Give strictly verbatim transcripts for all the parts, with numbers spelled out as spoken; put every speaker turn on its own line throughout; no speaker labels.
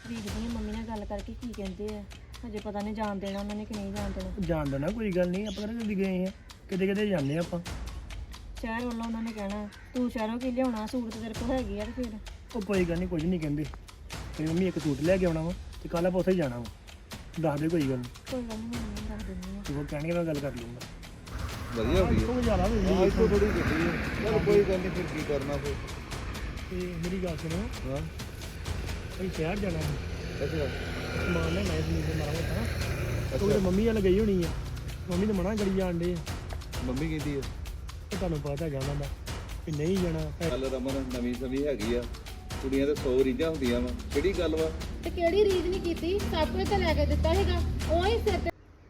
ਵੇਖਦੀ ਆ ਮੰਮੀ ਨਾਲ ਗੱਲ ਕਰਕੇ ਕੀ ਕਹਿੰਦੇ ਆ। ਹਜੇ ਪਤਾ ਨਹੀਂ ਜਾਣ ਦੇਣਾ ਉਹਨਾਂ ਨੇ ਕਿ ਨਹੀਂ ਜਾਣ ਦੇਣਾ।
ਜਾਣ ਦੇਣਾ ਕੋਈ ਗੱਲ ਨਹੀਂ, ਆਪਾਂ ਕਿਹੜੇ ਕਦੀ ਗਏ ਆ, ਕਿਤੇ ਕਿਤੇ ਜਾਂਦੇ ਆਪਾਂ।
ਸ਼ਹਿਰ ਵੱਲੋਂ ਉਹਨਾਂ ਨੇ ਕਹਿਣਾ ਤੂੰ ਸ਼ਹਿਰੋਂ ਕੀ ਲਿਆਉਣਾ, ਸੂਟ ਤੇ ਤੇਰੇ ਕੋਲ ਹੈਗੀ ਆ। ਤੇ ਫਿਰ
ਉਹ ਕੋਈ ਗੱਲ ਨਹੀਂ, ਕੁਝ ਨਹੀਂ ਕਹਿੰਦੇ। ਮੇਰੀ ਮੰਮੀ ਇੱਕ ਸੂਟ ਲੈ ਕੇ ਆਉਣਾ ਵਾ ਤੇ ਕੱਲ੍ਹ ਆਪਾਂ ਉੱਥੇ ਹੀ ਜਾਣਾ ਵਾ। ਦੱਸ ਦੇ ਕੋਈ ਗੱਲ ਨਹੀਂ।
ਕੋਈ ਗੱਲ ਨਹੀਂ, ਮੰਮੀ ਨੂੰ ਦੱਸ ਦਿੰਦੀ ਆ।
ਤੂੰ ਉਹ ਕਹਿਣਗੇ ਮੈਂ ਗੱਲ ਕਰ ਲੂੰਗਾ।
ਵਧੀਆ ਹੋ ਗਈ
ਉਹ ਜ਼ਿਆਦਾ ਹੋ
ਹਾਂ
ਗਈ
ਇੱਕੋ ਥੋੜੀ ਗੱਡੀ ਹੈ। ਚਲ ਕੋਈ ਗੱਲ ਨਹੀਂ, ਫਿਰ ਕੀ ਕਰਨਾ ਫਿਰ।
ਤੇ ਮੇਰੀ ਗੱਲ ਸੁਣੋ,
ਹਾਂ
ਅਸੀਂ ਸ਼ਹਿਰ ਜਾਣਾ ਹੈ,
ਅੱਛਾ
ਸਮਾਨ ਲੈਣਾ ਹੈ ਜ਼ਮੀਨ ਦੇ ਮਾਰਾ ਮੋਟਾ। ਉਹ ਤੇ ਮੰਮੀ ਵਾਲ ਗਈ ਹੋਣੀ ਆ, ਮੰਮੀ ਤਾਂ ਮਨਾ ਕਰੀ ਜਾਣ ਡੇ ਆ।
ਮੰਮੀ ਕਹਿੰਦੀ ਹੈ
ਤੇ ਤੁਹਾਨੂੰ ਪਤਾ ਹੈਗਾ ਉਹਨਾਂ ਦਾ ਵੀ ਨਹੀਂ ਜਾਣਾ।
ਚੱਲ ਰਮਨ ਨਵੀਂ ਸਵੀ ਹੈਗੀ ਆ, ਕੁੜੀਆਂ ਤੇ ਸੌ ਰੀਝਾਂ ਹੁੰਦੀਆਂ ਵਾ। ਕਿਹੜੀ ਗੱਲ ਵਾ?
ਤੇ ਕਿਹੜੀ ਰੀਝ ਨਹੀਂ ਕੀਤੀ, ਸਭ ਕੁਝ ਤਾਂ ਲੈ ਕੇ ਦਿੱਤਾ ਸੀਗਾ। ਉਹ ਹੀ ਸਿਰ ਤੇ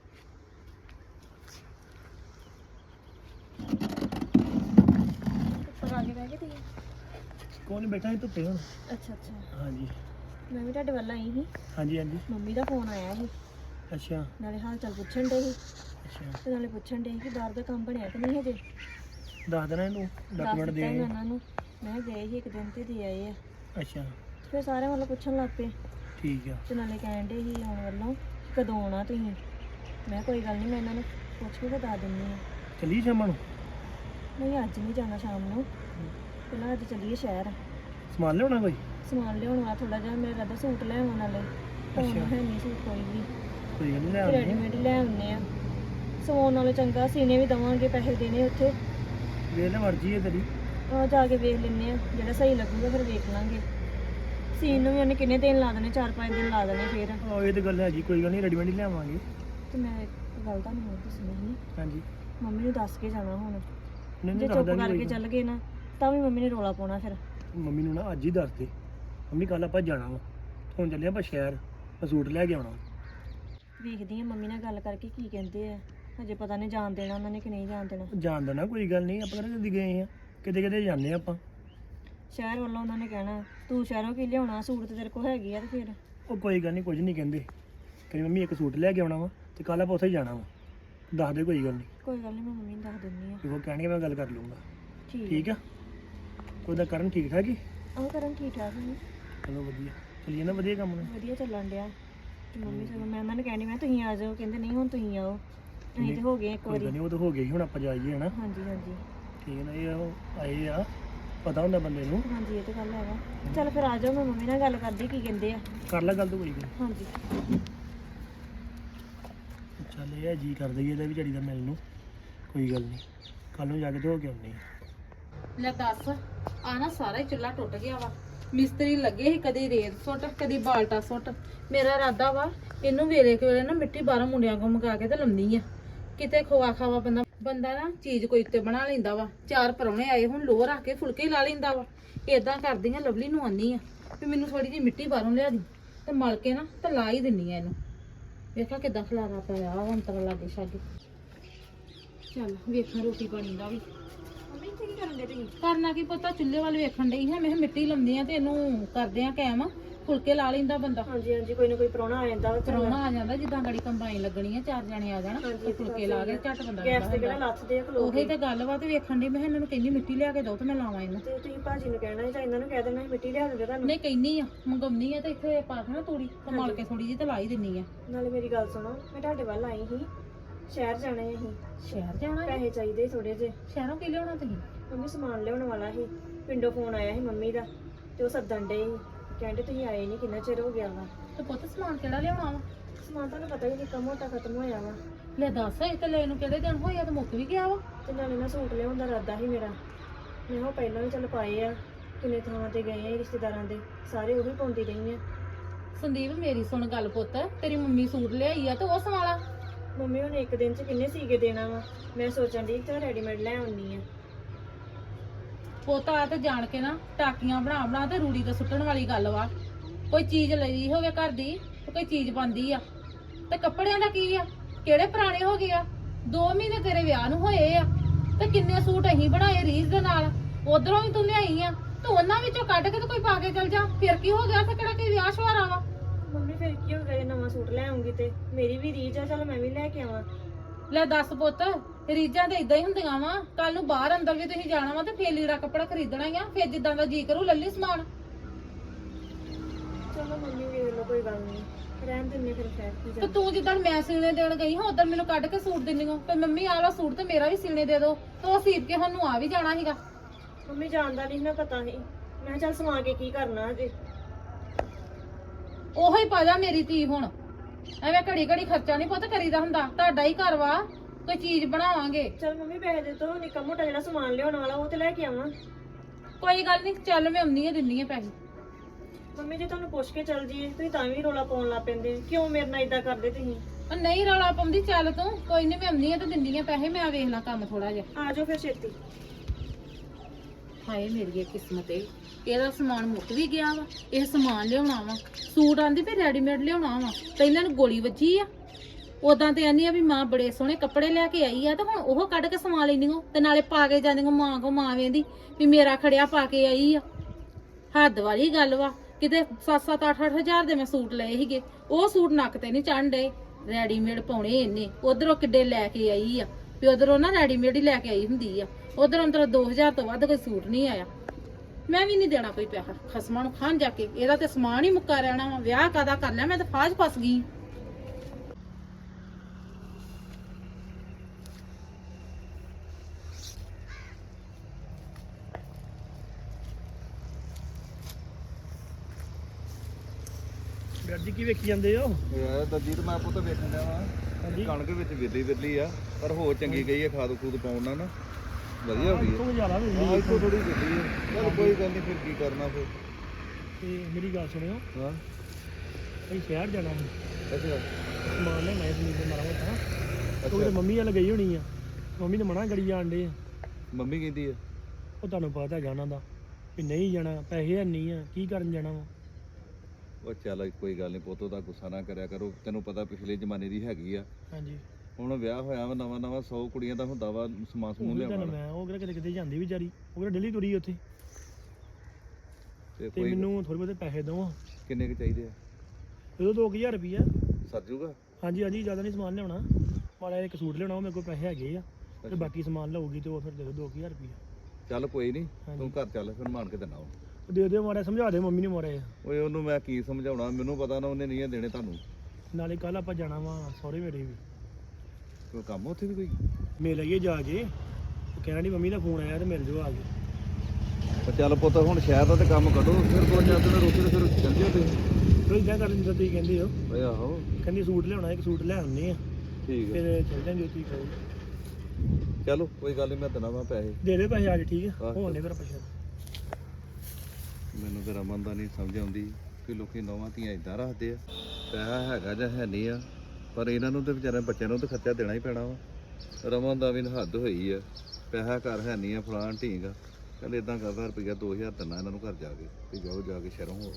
ਉੱਪਰ ਆ ਕੇ ਬਹਿ ਗਏ ਤੁਸੀਂ?
ਕੌਣ ਬੈਠਾ ਸੀ ਧੁੱਪੇ ਹੁਣ?
ਅੱਛਾ ਅੱਛਾ,
ਹਾਂਜੀ
ਮੈਂ ਵੀ ਤੁਹਾਡੇ ਵੱਲ ਆਈ ਸੀ।
ਹਾਂਜੀ ਹਾਂਜੀ।
ਮੰਮੀ ਦਾ ਫੋਨ ਆਇਆ ਸੀ,
ਅੱਛਾ
ਨਾਲੇ ਹਾਲ ਚਾਲ ਪੁੱਛਣ ਡੇ ਸੀ
ਅੱਛਾ,
ਤੇ ਨਾਲੇ ਪੁੱਛਣ ਡੇ ਸੀ ਕਿ ਬਾਹਰ ਦਾ ਕੰਮ ਬਣਿਆ ਕਿ ਨਹੀਂ ਹਜੇ।
ਦੱਸ ਦੇਣਾ ਇਹਨੂੰ,
ਦੱਸ
ਡਾਕੂਮੈਂਟ
ਦਿੱਤਾ
ਦੇ।
ਮੈਂ ਉਹਨਾਂ ਨੂੰ, ਮੈਂ ਕਿਹਾ ਗਏ ਸੀ ਇੱਕ ਦਿਨ ਤੇ ਦੇ ਆਏ ਆ।
ਅੱਛਾ
ਫਿਰ ਸਾਰਿਆਂ ਵੱਲੋਂ ਪੁੱਛਣ ਲੱਗ ਪਏ
ਠੀਕ ਆ।
ਤੇ ਨਾਲੇ ਕਹਿਣ ਡੇ ਸੀ ਆਉਣ ਵੱਲੋਂ ਕਦੋਂ ਆਉਣਾ ਤੁਸੀਂ। ਮੈਂ ਕਿਹਾ ਕੋਈ ਗੱਲ ਨਹੀਂ, ਮੈਂ ਇਹਨਾਂ ਨੂੰ ਪੁੱਛ ਕੇ ਫਿਰ ਦੱਸ ਦਿੰਦੀ ਹਾਂ।
ਚੱਲੀ ਸ਼ਾਮਾਂ ਨੂੰ?
ਨਹੀਂ ਅੱਜ ਨਹੀਂ ਜਾਣਾ ਸ਼ਾਮ ਨੂੰ, ਪਹਿਲਾਂ ਅੱਜ ਚੱਲੀਏ ਸ਼ਹਿਰ।
ਸਮਾਨ ਲਿਆਉਣਾ ਕੋਈ?
ਸਮਾਨ ਲਿਆਉਣ ਵਾਲਾ ਥੋੜਾ ਜਿਹਾ, ਮੇਰਾ ਰੱਦਾ ਸੂਟ ਲੈ ਆਉਣ ਨਾਲੇ ਹੁਣ
ਅੱਛਾ।
ਹੈ ਨਹੀਂ ਸੂਟ ਕੋਈ ਵੀ,
ਕੋਈ ਗੱਲ ਨਹੀਂ, ਲੈ ਆਉਂਦੇ ਆ।
ਰੈਡੀਮੇਡ ਹੀ ਲੈ ਆਉਂਦੇ ਆ। ਸਵਾਉਣ ਨਾਲੋਂ ਚੰਗਾ ਸੀਨੇ ਵੀ ਦਵਾਂਗੇ, ਪੈਸੇ ਦੇਣੇ ਉੱਥੇ।
ਵੇਖ ਲੈ ਮਰਜ਼ੀ ਹੈ ਤੇਰੀ।
ਆ ਜਾ ਕੇ ਵੇਖ ਲੈਂਦੇ ਆ, ਜਿਹੜਾ ਸਹੀ ਲੱਗੂਗਾ ਫਿਰ ਵੇਖ ਲਾਂਗੇ। ਸੀਨ ਨੂੰ ਵੀ ਉਹਨੇ ਕਿੰਨੇ ਦਿਨ ਲਾ ਦੇਣੇ, ਚਾਰ ਪੰਜ ਦਿਨ ਲਾ ਦੇਣੇ ਫਿਰ।
ਆਹ ਇਹ ਤਾਂ ਗੱਲ ਹੈਗੀ, ਕੋਈ ਗੱਲ ਨਹੀਂ, ਰੈਡੀਮੇਡ ਹੀ ਲਿਆਵਾਂਗੇ।
ਤੇ ਮੈਂ ਇੱਕ ਗੱਲ ਤੁਹਾਨੂੰ ਹੋਰ ਦੱਸਣੀ ਸੀ,
ਹਾਂਜੀ
ਮੰਮੀ ਨੂੰ ਦੱਸ ਕੇ ਜਾਣਾ ਹੁਣ।
ਨਹੀਂ
ਜੇ
ਨਹੀਂ
ਚੁੱਪ
ਦੱਸਦਾ
ਕਰਕੇ
ਨਹੀਂ।
ਚੱਲ ਗਏ ਨਾ ਤਾਂ ਵੀ ਮੰਮੀ ਨੇ ਰੋਲਾ ਪਾਉਣਾ ਫਿਰ।
ਮੰਮੀ ਨੂੰ ਨਾ ਅੱਜ ਹੀ ਦੱਸ ਦੇ, ਮੰਮੀ ਕੱਲ ਆਪਾਂ ਜਾਣਾ ਵਾ, ਹੁਣ ਚੱਲੇ ਆਪਾਂ ਸ਼ਹਿਰ, ਮੈਂ ਸੂਟ ਲੈ ਕੇ ਆਉਣਾ।
ਵੇਖਦੀ ਆ ਮੰਮੀ ਨਾਲ ਗੱਲ ਕਰਕੇ ਕੀ ਕਹਿੰਦੇ ਆ। ਹਜੇ ਪਤਾ ਨਹੀਂ ਜਾਣ ਦੇਣਾ ਉਹਨਾਂ ਨੇ ਕਿ ਨਹੀਂ ਜਾਣ ਦੇਣਾ।
ਜਾਣ ਦੇਣਾ ਕੋਈ ਗੱਲ ਨਹੀਂ, ਆਪਾਂ ਕਿਹੜੇ ਕਦੀ ਗਏ ਆ, ਕਿਤੇ ਕਿਤੇ ਜਾਂਦੇ ਆ ਆਪਾਂ।
ਸ਼ਹਿਰ ਵੱਲੋਂ ਉਹਨਾਂ ਨੇ ਕਹਿਣਾ ਤੂੰ ਸ਼ਹਿਰੋਂ ਕੀ ਲਿਆਉਣਾ, ਸੂਟ ਤੇ ਤੇਰੇ ਕੋਲ ਹੈਗੀ ਆ। ਤੇ ਫਿਰ
ਉਹ ਕੋਈ ਗੱਲ ਨਹੀਂ, ਕੁਝ ਨਹੀਂ ਕਹਿੰਦੇ। ਕਹਿੰਦੀ ਮੰਮੀ ਇੱਕ ਸੂਟ ਲੈ ਕੇ ਆਉਣਾ ਵਾ ਤੇ ਕੱਲ੍ਹ ਆਪਾਂ ਉੱਥੇ ਹੀ ਜਾਣਾ ਵਾ। ਦੱਸ ਦੇ ਕੋਈ ਗੱਲ ਨਹੀਂ।
ਕੋਈ ਗੱਲ ਨਹੀਂ, ਮੈਂ ਮੰਮੀ ਨੂੰ ਦੱਸ ਦਿੰਦੀ ਆ।
ਜੇ ਉਹ ਕਹਿਣਗੇ ਮੈਂ ਗੱਲ ਕਰ ਲੂੰਗਾ।
ਠੀਕ
ਠੀਕ ਆ? ਕੋਈ ਦਾ ਕਰਨ ਠੀਕ ਠਾਕ ਹੀ?
ਆਹ ਕਰਨ ਠੀਕ ਠਾਕ ਨੇ,
ਚਲੋ ਵਧੀਆ ਚੱਲੀਏ ਨਾ, ਵਧੀਆ ਕੰਮ ਨੇ।
ਵਧੀਆ ਚੱਲਣ ਡਿਆ। ਤੇ ਮੰਮੀ ਸਗੋਂ ਮੈਂ ਉਹਨਾਂ ਨੂੰ ਕਹਿਣੀ ਮੈਂ ਤੁਸੀਂ ਆ ਜਾਓ, ਕਹਿੰਦੇ ਨਹੀਂ ਹੁਣ ਤੁਸੀਂ ਆਓ। ਅਸੀਂ ਤੇ ਹੋ ਗਏ ਇੱਕ
ਕੋਈ
ਵਾਰੀ।
ਗੱਲ ਨਹੀਂ, ਉਹ ਤਾਂ ਹੋ ਗਿਆ ਸੀ, ਹੁਣ ਆਪਾਂ ਜਾਈਏ ਹਨਾ।
ਹਾਂਜੀ ਹਾਂਜੀ
ਠੀਕ ਹੈ ਨਾ, ਇਹ ਉਹ ਆਏ ਆ, ਪਤਾ ਹੁੰਦਾ ਬੰਦੇ ਨੂੰ।
ਹਾਂਜੀ, ਇਹ ਤੇ ਗੱਲ ਹੈਗਾ। ਚੱਲ ਫਿਰ ਆ ਜਾਓ, ਮੈਂ ਮੰਮੀ ਨਾਲ ਗੱਲ ਕਰਦੀ ਕੀ ਕਹਿੰਦੇ ਆ।
ਕਰ ਲੈ ਗੱਲ ਤਾਂ ਕੋਈ ਗੱਲ
ਹਾਂਜੀ
ਨੀ। ਚੱਲ ਇਹ ਆ, ਜੀ ਕਰਦਾ ਹੀ ਇਹਦਾ ਵੀ ਝੜੀ ਦਾ ਮਿਲਣ ਨੂੰ। ਕੋਈ ਗੱਲ ਨਹੀਂ, ਕੱਲ ਨੂੰ ਜਾ ਕੇ ਧੋ ਕੇ ਆਉਣੀ ਆ।
ਲੈ ਦੱਸ, ਆ ਨਾ ਸਾਰਾ ਹੀ ਚੁੱਲ੍ਹਾ ਟੁੱਟ ਗਿਆ ਵਾ। ਮਿਸਤਰੀ ਲੱਗੇ ਸੀ, ਕਦੀ ਰੇਤ ਸੁੱਟ ਕਦੀ ਬਾਲਟਾ ਸੁੱਟ। ਮੇਰਾ ਇਰਾਦਾ ਵਾ ਇਹਨੂੰ ਵੇਲੇ ਕੇ ਵੇਲੇ ਨਾ ਮਿੱਟੀ ਬਾਹਰੋਂ ਮੁੰਡਿਆਂ ਕੋਲ ਮੰਗਾ ਕੇ ਤੇ ਲਾਉਂਦੀ ਆ। ਕਿਤੇ ਖਵਾ ਖਾਵਾ ਬੰਦਾ ਬੰਦਾ ਨਾ ਚੀਜ਼ ਕੋਈ ਉੱਤੇ ਬਣਾ ਲੈਂਦਾ ਵਾ। ਚਾਰ ਪਰੌਣੇ ਆਏ ਹੁਣ ਲੋਹ ਰੱਖ ਕੇ ਫੁਲਕੇ ਲਾ ਲੈਂਦਾ ਵਾ। ਏਦਾਂ ਕਰਦੀ ਆ, ਲਵਲੀ ਨੂੰ ਆਨੀ ਆ ਵੀ ਮੈਨੂੰ ਥੋੜੀ ਜਿਹੀ ਮਿੱਟੀ ਬਾਹਰੋਂ ਲਿਆ ਦੀ ਤੇ ਮਲ ਕੇ ਨਾ ਤੇ ਲਾ ਹੀ ਦਿੰਨੀ ਆ ਇਹਨੂੰ। ਵੇਖਾ ਕਿਦਾਂ ਖਲਾਰਾ ਪਿਆ ਵਾ ਅੰਤਰ ਲਾਗੇ ਛਾਗੇ। ਚੱਲ ਵੇਖਾਂ ਰੋਟੀ ਪਾਣੀ ਦਾ ਵੀ।
ਮੰਮੀ ਇੱਥੇ ਕੀ ਕਰਨ ਦੇ ਤੁਸੀਂ?
ਕਰਨਾ ਕੀ ਪਤਾ, ਚੁੱਲ੍ਹੇ ਵੱਲ ਵੇਖਣ ਡਈ ਹਾਂ। ਮੈਂ ਕਿਹਾ ਮਿੱਟੀ ਲਾਉਂਦੀ ਆ ਤੇ ਇਹਨੂੰ ਕਰਦੇ ਆ ਕੈਮ, ਫੁਲਕੇ ਲਾ ਲੈਂਦਾ ਬੰਦਾ।
ਹਾਂਜੀ ਹਾਂਜੀ, ਕੋਈ ਨਾ ਕੋਈ ਪ੍ਰਾਹੁਣਾ ਆ ਜਾਂਦਾ ਵਾ।
ਪਰੌਣਾ ਆ ਜਾਂਦਾ, ਜਿੱਦਾਂ ਗੜੀ ਕੰਬਾਈਨ ਲੱਗਣੀ ਆ, ਚਾਰ ਜਣੇ ਆ ਜਾਣ ਤੇ ਫੁਲਕੇ ਲਾ ਕੇ ਝੱਟ ਬੰਦਾ
ਗੈਸ ਤੇ ਕਿਹੜਾ ਲੱਥਦੇ ਆ ਖਲੋ
ਉਹੀ
ਕੇ।
ਤੇ ਗੱਲ ਵਾ। ਤੇ ਵੇਖਣ ਡਈ ਮੈਂ ਕਿਹਾ ਇਹਨਾਂ ਨੂੰ ਕਹਿੰਦੀ ਮਿੱਟੀ ਲਿਆ ਕੇ ਦੋ ਤੇ ਮੈਂ ਲਾਵਾਂ ਇਹਨੂੰ।
ਤੇ ਤੁਸੀਂ ਭਾਜੀ ਨੂੰ ਕਹਿਣਾ ਸੀ ਜਾਂ ਇਹਨਾਂ ਨੂੰ ਕਹਿ ਦੇਣਾ ਸੀ ਮਿੱਟੀ ਲਿਆ ਦਿੰਦੇ ਤੁਹਾਨੂੰ।
ਨਹੀਂ ਕਹਿੰਨੀ ਆ, ਮੰਗਾਉਣੀ ਆ ਤੇ ਇੱਥੇ ਪਾ ਕੇ ਨਾ ਤੂੜੀ ਤੇ ਮਲ ਕੇ ਥੋੜੀ ਜਿਹੀ ਤੇ ਲਾ ਹੀ ਦਿੰਨੀ ਆ।
ਨਾਲੇ ਮੇਰੀ ਗੱਲ ਸੁਣੋ, ਮੈਂ ਤੁਹਾਡੇ ਵੱਲ ਆਈ ਸੀ, ਸ਼ਹਿਰ ਜਾਣਾ ਹੈ ਅਸੀਂ।
ਸ਼ਹਿਰ ਜਾਣਾ ਹੈ?
ਪੈਸੇ ਚਾਹੀਦੇ ਥੋੜੇ ਜਿਹੇ।
ਸ਼ਹਿਰੋਂ ਕੀ ਲਿਆਉਣਾ ਤੁਸੀਂ?
ਮੰਮੀ ਸਮਾਨ ਲਿਆਉਣ ਵਾਲਾ ਸੀ, ਪਿੰਡੋਂ ਫੋਨ ਆਇਆ ਸੀ ਮੰਮੀ ਦਾ ਤੇ ਉਹ ਸੱਦਣ ਡੇ ਸੀ। ਕਹਿੰਦੇ ਤੁਸੀਂ ਆਏ ਨਹੀਂ, ਕਿੰਨਾ ਚਿਰ ਹੋ ਗਿਆ ਵਾ।
ਤੇ ਪੁੱਤ ਸਮਾਨ ਕਿਹੜਾ ਲਿਆਉਣਾ ਵਾ?
ਸਮਾਨ ਤੁਹਾਨੂੰ ਪਤਾ ਹੀ ਨਿੱਕਾ ਮੋਟਾ ਖਤਮ ਹੋਇਆ ਵਾ।
ਲੈ ਦੱਸ, ਇਹ ਤੇ ਲੈ ਨੂੰ ਕਿਹੜੇ ਦਿਨ ਹੋਇਆ ਤੇ ਮੁੱਕ ਵੀ ਗਿਆ ਵਾ।
ਤੇ ਨਾਲੇ ਨਾ ਸੂਟ ਲਿਆਉਣ ਦਾ ਇਰਾਦਾ ਸੀ ਮੇਰਾ। ਮੈਂ ਕਿਹਾ ਪਹਿਲਾਂ ਵੀ ਚੱਲ ਪਾਏ ਆ, ਕਿੰਨੇ ਥਾਵਾਂ ਤੇ ਗਏ ਆ ਰਿਸ਼ਤੇਦਾਰਾਂ ਦੇ, ਸਾਰੇ ਉਹੀ ਪਾਉਂਦੀ ਰਹੀ ਆ।
ਸੰਦੀਪ ਮੇਰੀ ਸੁਣ ਗੱਲ ਪੁੱਤ, ਤੇਰੀ ਮੰਮੀ ਸੂਟ ਲਿਆਈ ਆ ਤੇ ਉਹ ਸਵਾਲਾ।
ਮੰਮੀ ਹੁਣ ਇੱਕ ਦਿਨ ਚ ਕਿੰਨੇ ਸੀਕੇ ਦੇਣਾ ਵਾ। ਮੈਂ ਸੋਚਣ ਦੀ ਕਿ ਰੈਡੀਮੇਡ ਲੈ ਆਉਣੀ ਆ।
ਪੁੱਤ ਆ ਤੇ ਜਾਣ ਕੇ ਨਾ ਟਾਕੀਆਂ ਬਣਾ ਬਣਾ ਤੇ ਰੂੜੀ ਤੇ ਸੁੱਟਣ ਵਾਲੀ ਗੱਲ ਵਾ। ਕੋਈ ਚੀਜ਼ ਲਈ ਹੋਵੇ ਘਰ ਦੀ ਤੇ ਕੋਈ ਚੀਜ਼ ਬਣਦੀ ਆ। ਤੇ ਕੱਪੜਿਆਂ ਦਾ ਕੀ ਆ, ਕਿਹੜੇ ਪੁਰਾਣੇ ਹੋ ਗਏ ਆ। ਦੋ ਮਹੀਨੇ ਤੇਰੇ ਵਿਆਹ ਨੂੰ ਹੋਏ ਆ ਤੇ ਕਿੰਨੇ ਸੂਟ ਅਸੀਂ ਬਣਾਏ ਰੀਸ ਦੇ ਨਾਲ। ਉਧਰੋਂ ਵੀ ਤੂੰ ਲਿਆਈ ਆ ਤੇ ਉਹਨਾਂ ਵਿੱਚੋਂ ਕੱਢ ਕੇ ਤੇ ਕੋਈ ਪਾ ਕੇ ਚਲ ਜਾ। ਫਿਰ ਕੀ ਹੋ ਗਿਆ, ਤੇ ਕਿਹੜਾ ਕੋਈ ਵਿਆਹ ਸ਼ਵਾਰਾ ਵਾ।
ਮੰਮੀ ਫਿਰ ਕੀ ਹੋ ਗਿਆ ਜੇ ਨਵਾਂ ਸੂਟ ਲੈ ਆਉਂਗੀ ਤੇ ਮੇਰੀ ਵੀ ਰੀਝ ਆ, ਚੱਲ ਮੈਂ ਵੀ ਲੈ ਕੇ ਆਵਾਂ।
ਲੈ ਦੱਸ ਪੁੱਤ, ਰੀਝਾਂ ਤੇ ਇਦਾਂ ਹੀ ਹੁੰਦੀਆਂ ਵਾ। ਕੱਲ ਨੂੰ ਬਾਹਰ ਅੰਦਰ ਵੀ ਤੁਸੀਂ ਜਾਣਾ ਵਾ ਤੇ ਫੇਰ ਲੀੜਾ ਕੱਪੜਾ ਖਰੀਦਣਾ ਹੀ ਆ। ਫੇਰ ਜਿੱਦਾਂ ਦਾ ਜੀ ਕਰੂ ਲੱਲੀ ਸਮਾਨ।
ਚਲੋ ਮੰਮੀ ਵੇਖ ਲਓ ਗੱਲ ਨਹੀਂ, ਰਹਿਣ ਦਿੰਨੇ ਫਿਰ ਖੈਰ ਕੀ
ਤੇ
ਜਾ।
ਤੂੰ ਜਿੱਦਣ ਮੈਂ ਸੀਨੇ ਦੇਣ ਗਈ ਹਾਂ ਉਦੋਂ ਮੈਨੂੰ ਕੱਢ ਕੇ ਸੂਟ ਦਿੰਦੀ ਹੋ ਤੇ ਮੰਮੀ ਆਹ ਵਾਲਾ ਸੂਟ ਤੇ ਮੇਰਾ ਵੀ ਸੀਨੇ ਦੇ ਦੋ ਤੇ ਉਹ ਸੀਪ ਕੇ ਸਾਨੂੰ ਆ ਵੀ ਜਾਣਾ ਸੀਗਾ।
ਮੰਮੀ ਜਾਣਦਾ ਨਹੀਂ ਨਾ ਪਤਾ ਸੀ, ਮੈਂ ਕਿਹਾ ਚੱਲ ਸਮਾ ਕੇ ਕੀ ਕਰਨਾ ਅਜੇ।
ਉਹੋ ਹੀ ਪਾ ਜਾ ਮੇਰੀ ਧੀ ਹੁਣ, ਐਵੇਂ ਘੜੀ ਘੜੀ ਖਰਚਾ ਨਹੀਂ ਪੁੱਤ ਕਰੀਦਾ ਹੁੰਦਾ, ਤੁਹਾਡਾ ਹੀ ਘਰ ਵਾ, ਕੋਈ ਚੀਜ਼ ਬਣਾਵਾਂਗੇ।
ਚੱਲ ਮੰਮੀ ਪੈਸੇ ਦੇ ਦੋ, ਨਿੱਕਾ ਮੋਟਾ ਜਿਹੜਾ ਸਮਾਨ ਲਿਆਉਣ ਵਾਲਾ ਉਹ ਤੇ ਲੈ ਕੇ ਆਵਾਂ।
ਕੋਈ ਗੱਲ ਨਹੀਂ, ਚੱਲ ਮੈਂ ਆਉਂਦੀ ਆ ਦਿੰਨੀ ਆ ਪੈਸੇ।
ਮੰਮੀ ਜੇ ਤੁਹਾਨੂੰ ਪੁੱਛ ਕੇ ਚੱਲ ਜੀਏ ਤੁਸੀਂ ਤਾਂ ਵੀ ਰੋਲਾ ਪਾਉਣ ਲੱਗ ਪੈਂਦੇ, ਕਿਉਂ ਮੇਰੇ ਨਾਲ ਇਦਾਂ ਕਰਦੇ ਤੁਸੀਂ?
ਉਹ ਨਹੀਂ ਰੌਲਾ ਪਾਉਂਦੀ, ਚੱਲ ਤੂੰ, ਕੋਈ ਨਹੀਂ ਮੈਂ ਆਉਂਦੀ ਆ ਤੇ ਦਿੰਦੀ ਆ ਪੈਸੇ, ਮੈਂ ਵੇਖ ਲਾਂ ਕੰਮ ਥੋੜਾ ਜਿਹਾ।
ਆ ਜਾਓ ਫਿਰ ਛੇਤੀ।
ਹਾਏ ਮੇਰੀ ਇਹ ਕਿਸਮਤ ਏ, ਇਹਦਾ ਸਮਾਨ ਮੁੱਕ ਵੀ ਗਿਆ ਵਾ, ਇਹ ਸਮਾਨ ਲਿਆਉਣਾ ਵਾ, ਸੂਟ ਆਂਦੀ ਵੀ ਰੈਡੀਮੇਡ ਲਿਆਉਣਾ ਵਾ ਤੇ ਇਹਨਾਂ ਨੂੰ ਗੋਲੀ ਵੱਜੀ ਆ। ਉਦਾਂ ਤੇ ਆਨੀ ਆ ਵੀ ਮਾਂ ਬੜੇ ਸੋਹਣੇ ਕੱਪੜੇ ਲੈ ਕੇ ਆਈ ਆ ਤੇ ਹੁਣ ਉਹ ਕੱਢ ਕੇ ਸਮਾ ਲੈਂਦੀ ਹੋ ਤੇ ਨਾਲੇ ਪਾ ਕੇ ਜਾਂਦੀ ਹੋ ਮਾਂ ਕੋ, ਮਾਂ ਵੇਂਦੀ ਵੀ ਮੇਰਾ ਖੜਿਆ ਪਾ ਕੇ ਆਈ ਆ। ਹੱਦ ਵਾਲੀ ਗੱਲ ਵਾ, ਕਿਤੇ ਸੱਤ ਸੱਤ ਅੱਠ ਅੱਠ ਹਜ਼ਾਰ ਦੇ ਮੈਂ ਸੂਟ ਲਏ ਸੀਗੇ, ਉਹ ਸੂਟ ਨੱਕ ਤੇ ਨਹੀਂ ਚੜ੍ਹਨ ਡਏ, ਰੈਡੀਮੇਡ ਪਾਉਣੇ ਇਹਨੇ। ਉਧਰੋਂ ਕਿੱਡੇ ਲੈ ਕੇ ਆਈ ਆ ਵੀ ਉਧਰੋਂ ਨਾ ਰੈਡੀਮੇਡ ਹੀ ਲੈ ਕੇ ਆਈ ਹੁੰਦੀ ਆ, ਉਧਰੋਂ ਅੰਦਰ ਦੋ ਹਜ਼ਾਰ ਤੋਂ ਵੱਧ ਕੋਈ ਸੂਟ ਨਹੀਂ ਆਇਆ। ਮੈਂ ਵੀ ਨਹੀਂ ਦੇਣਾ ਕੋਈ ਪੈਸਾ, ਖਸਮਾਂ ਨੂੰ ਖਾਣ ਜਾ ਕੇ, ਇਹਦਾ ਤੇ ਸਮਾਨ ਹੀ ਮੁੱਕਾ ਰਹਿਣਾ ਵਾ। ਵਿਆਹ ਕਾਦਾ ਕਰ ਲਿਆ, ਮੈਂ ਤਾਂ ਫਾਜ ਫਸ ਗਈ।
ਡੈਡ ਜੀ ਕੀ ਵੇਖੀ ਜਾਂਦੇ ਹੋ?
ਯਾਰ ਦਲਜੀਤ ਮੈਂ ਪੁੱਤ ਵੇਖਣ ਡਿਆ ਵਾ
ਹਾਂਜੀ
ਕਣਕ ਵਿੱਚ ਵਿਰਲੀ ਵਿਰਲੀ ਆ, ਪਰ ਹੋਰ ਚੰਗੀ ਗਈ ਆ, ਖਾਦ ਖੂਦ ਪਾਉਣ ਨਾਲ ਨਾ ਵਧੀਆ ਹੋ ਗਈ
ਇੱਥੋਂ ਜ਼ਿਆਦਾ
ਆ।
ਮਿਲਦੀ
ਆਹ ਇੱਥੋਂ ਥੋੜੀ ਵਿਰਲੀ ਆ, ਚਲ ਕੋਈ ਗੱਲ ਨਹੀਂ, ਫਿਰ ਕੀ ਕਰਨਾ ਫਿਰ।
ਤੇ ਮੇਰੀ ਗੱਲ ਸੁਣਿਓ,
ਹਾਂ
ਅਸੀਂ ਸ਼ਹਿਰ ਜਾਣਾ ਸੀ,
ਅੱਛਾ
ਸਮਾਨ ਲੈਣਾ ਸੀ ਤੇ ਮਾਰਾ ਮੋਟਾ। ਉਹ
ਅੱਛਾ
ਤੇ ਮੰਮੀ ਵਾਲ ਗਈ ਹੋਣੀ ਆ, ਮੰਮੀ ਨੇ ਮਨਾ ਕਰੀ ਜਾਣ ਡੇ ਆ।
ਮੰਮੀ ਕਹਿੰਦੀ ਆ
ਉਹ ਤੁਹਾਨੂੰ ਪਤਾ ਹੈਗਾ ਉਹਨਾਂ ਦਾ ਵੀ ਨਹੀਂ ਜਾਣਾ, ਪੈਸੇ ਹੈ ਨਹੀਂ ਆ, ਕੀ ਕਰਨ ਜਾਣਾ ਵਾ।
ਉਹ ਚੱਲ ਕੋਈ ਗੱਲ ਨਹੀਂ ਪੁੱਤ, ਉਹਦਾ ਗੁੱਸਾ ਨਾ ਕਰਿਆ ਕਰੋ, ਤੈਨੂੰ ਪਤਾ ਪਿਛਲੇ ਜ਼ਮਾਨੇ ਦੀ ਹੈਗੀ ਆ।
ਹਾਂਜੀ
ਹੁਣ ਵਿਆਹ ਹੋਇਆ ਵਾ ਨਵਾਂ ਨਵਾਂ, ਸੌ ਕੁੜੀਆਂ ਦਾ ਹੁੰਦਾ ਵਾ ਸਮਾਨ ਸਮੂਨ
ਉਹ
ਲਿਆਉਣਾ।
ਮੈਂ ਉਹ ਕਿਹੜਾ ਕਿਤੇ ਕਿਤੇ ਜਾਂਦੀ ਵਿਚਾਰੀ, ਉਹ ਕਿਹੜਾ ਡੇਲੀ ਤੁਰੀ ਉੱਥੇ।
ਤੇ
ਤੇ
ਕੋਈ
ਮੈਨੂੰ ਥੋੜੇ ਬਹੁਤੇ ਪੈਸੇ ਦਿਓ,
ਕਿੰਨੇ ਕੁ ਚਾਹੀਦੇ ਆ?
ਇਹਦੋਂ ਦੋ ਕੁ ਹਜ਼ਾਰ ਰੁਪਈਆ।
ਸਰ ਜੂਗਾ?
ਹਾਂਜੀ ਹਾਂਜੀ, ਜ਼ਿਆਦਾ ਨਹੀਂ ਸਮਾਨ ਲਿਆਉਣਾ, ਮਾੜਾ ਇੱਕ ਸੂਟ ਲਿਆਉਣਾ, ਉਹ ਮੇਰੇ ਕੋਲ ਪੈਸੇ ਹੈਗੇ ਆ, ਤੇ ਬਾਕੀ ਸਮਾਨ ਲਊਗੀ ਤੇ ਉਹ ਫਿਰ ਦੇ ਦਿਓ ਦੋ ਕੁ ਹਜ਼ਾਰ ਰੁਪਈਆ।
ਚੱਲ ਕੋਈ ਨਹੀਂ,
ਹਾਂਜੀ।
ਤੂੰ ਘਰ ਚੱਲ, ਫਿਰ ਮਾਨ ਕੇ ਦੇਣਾ ਉਹ।
ਉਹ ਦੇ ਦਿਓ ਮਾੜਾ, ਸਮਝਾ ਦਿਓ ਮੰਮੀ ਨੇ ਮਾੜਾ।
ਓਏ ਉਹਨੂੰ ਮੈਂ ਕੀ ਸਮਝਾਉਣਾ, ਮੈਨੂੰ ਪਤਾ ਨਾ ਉਹਨੇ ਨਹੀਂ ਦੇਣੇ ਤੁਹਾਨੂੰ।
ਨਾਲੇ ਕੱਲ ਆਪਾਂ ਜਾਣਾ ਵਾ ਸਹੁਰੇ ਮੇਰੇ ਵੀ,
ਕੋਈ ਕੰਮ ਉੱਥੇ ਵੀ ਕੋਈ?
ਮਿਲ ਆਈਏ ਜਾ ਕੇ। ਉਹ ਕਹਿਣਾ ਨਹੀਂ ਮੰਮੀ ਦਾ ਫੋਨ ਆਇਆ ਤੇ ਮਿਲ ਜਾਓ ਆ ਕੇ।
ਪਰ ਚੱਲ ਪੁੱਤ ਹੁਣ ਸ਼ਹਿਰ ਦਾ ਤੇ ਕੰਮ ਕੱਢੋ, ਫਿਰ ਦੋ ਚਾਰ ਦਿਨ ਰੋਟੀ ਤੇ ਫਿਰ ਚੱਲ ਜਿਓ ਤੁਸੀਂ।
ਫਿਰ ਇਦਾਂ ਕਰਨ ਜਿੱਦਾਂ ਤੁਸੀਂ ਕਹਿੰਦੇ ਹੋ,
ਓਏ ਆਹੋ
ਕਹਿੰਦੀ ਸੂਟ ਲਿਆਉਣਾ, ਇੱਕ ਸੂਟ ਲੈ ਆਉਂਦੇ ਆ,
ਠੀਕ ਹੈ,
ਫਿਰ ਚੱਲ ਜਾਂਦੇ ਤੁਸੀਂ ਕਹੋ।
ਚਲੋ ਕੋਈ ਗੱਲ ਨਹੀਂ, ਮੈਂ ਦੇਣਾ ਵਾ ਪੈਸੇ।
ਦੇ ਦੇ ਪੈਸੇ ਅੱਜ, ਠੀਕ ਹੈ
ਹਾਂ।
ਹੋਣੇ ਫਿਰ ਪਛਾ।
ਮੈਨੂੰ ਤੇ ਰਮਨ ਦਾ ਨਹੀਂ ਸਮਝ ਆਉਂਦੀ ਕਿ ਲੋਕੀ ਨੌਵਾਂ ਧੀਆਂ ਇਦਾਂ ਰੱਖਦੇ ਆ। ਪੈਸਾ ਹੈਗਾ ਜਾਂ ਹੈ ਨਹੀਂ ਆ, ਪਰ ਇਹਨਾਂ ਨੂੰ ਤੇ ਵਿਚਾਰੇ ਬੱਚਿਆਂ ਨੂੰ ਤਾਂ ਖਰਚਾ ਦੇਣਾ ਹੀ ਪੈਣਾ ਵਾ। ਰਮਨ ਦਾ ਵੀ ਹੱਦ ਹੋਈ ਆ, ਪੈਸਾ ਘਰ ਹੈ ਨਹੀਂ ਆ, ਫਲਾਣ ਢੀਂਗ ਆ। ਚੱਲ ਇਦਾਂ ਕਰਦਾ, ਰੁਪਈਆ ਦੋ ਹਜ਼ਾਰ ਦਿੰਦਾ ਇਹਨਾਂ ਨੂੰ ਘਰ ਜਾ ਕੇ, ਤੇ ਜਾਓ ਜਾ ਕੇ ਸ਼ਹਿਰੋਂ ਹੋ।